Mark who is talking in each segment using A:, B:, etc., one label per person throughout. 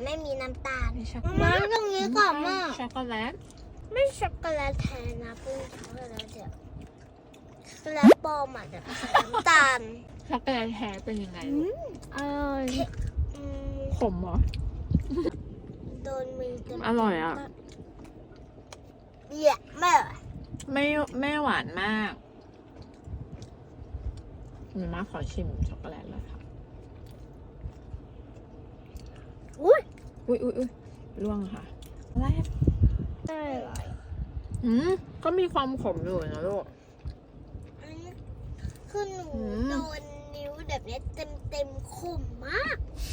A: ไม่มีน้ำตาล
B: มีช็อกโกแล
A: มา
B: ต
A: ตรงนี้ก่อนมาก
B: ช็อกโกแลต
A: ไม่ช็อกโกแลตแทนนะปุ้งช็อกโกแลตเดี๋ยวช็อกโกแลตปลอมอ่ะเดี๋ยวใส่น้ำตาล
B: ช็อกโกแลตแท้เป็นยังไง
A: อร่อย
B: ขมเหรอ
A: โดนมือเต็ม
B: อร่อยอ่ะ
A: เยี่ยมไม่อร่อย
B: ไม่หวานมากมาขอชิมช็อกโกแลตเลยค่ะ
A: อุ้ย
B: อุ้ยล่วงค่ะอะไรอะ
A: ไม่อร่อย
B: ก็มีความขมอยู่นะลูก
A: อันนี้คือหนู
B: ม
A: โดนนิ้วแบบนี้เต็มคมมาก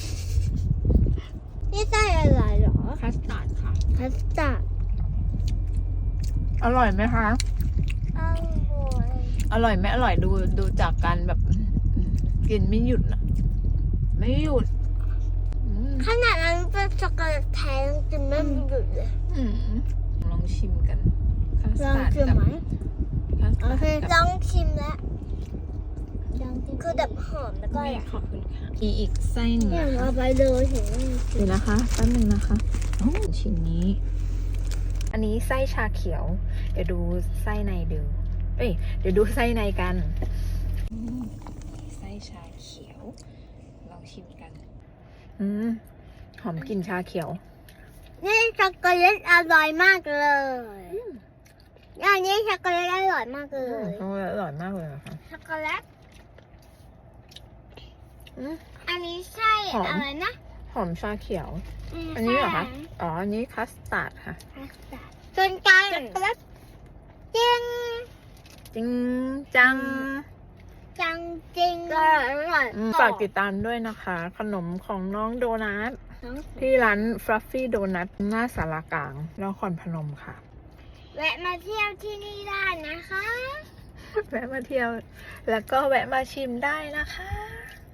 A: นี่ใส่อะไรเหรอ
B: คัสตาร์ดค่ะ
A: คัสตาร์ด
B: อร่อยไหมคะ
A: อร่อย
B: อร่อยไหมอร่อยดูจากการแบบกินไม่หยุดนะไม่หยุด
A: ขนาดนั้นเป็นช็อกโกแลตแท้ยังกินไม่หยุดเลย
B: ลองชิมกันคัส
A: ลอง
B: ตาร์ด
A: ชิม
B: กับ
A: ไหม
B: คัส
A: โอ
B: ตาร์ด
A: เค
B: กับ
A: ลองชิมแล้วคือแบบหอมแล้วก็
B: ไม่ขอบคุณค่ะอีกไส้หนึ่ง
A: เนี่ย
B: นะคะ
A: เอาไปเลยเห็นไหม
B: เดี๋ยวนะคะแป๊บนึงนะคะชิ้นนี้ อันนี้ไส้ชาเขียว เดี๋ยวดูไส้ในดูเดี๋ยวดูไส้ในกันไส้ชาเขียวลองชิมกันหอมกลิ่นชาเขียว
A: นี่ช็อกโกแลตอร่อยมากเลยอันนี้ช็อกโกแลตอร่อยมากเลย
B: อร่อยมากเลยนะคะ
A: ช็อกโกแลต
B: อืม
A: อันนี้ใช่
B: หอม
A: อะไรนะ
B: หอมชาเขียว อันนี้เหรอคะอ๋ออันนี้คัสตาร์ดค่ะ
A: ส่วนกลางช็อกโกแลตจริง
B: จริงจัง
A: จังจริงอร่อย
B: ฝากติดตามด้วยนะคะ ขนมของน้องโดนัทที่ร้าน Fluffy Donut หน้าสารกลางนครพนมค่ะ
A: แวะมาเที่ยวที่นี่ได้นะคะ
B: แวะมาเที่ยว แล้วก็แวะมาชิมได้นะคะ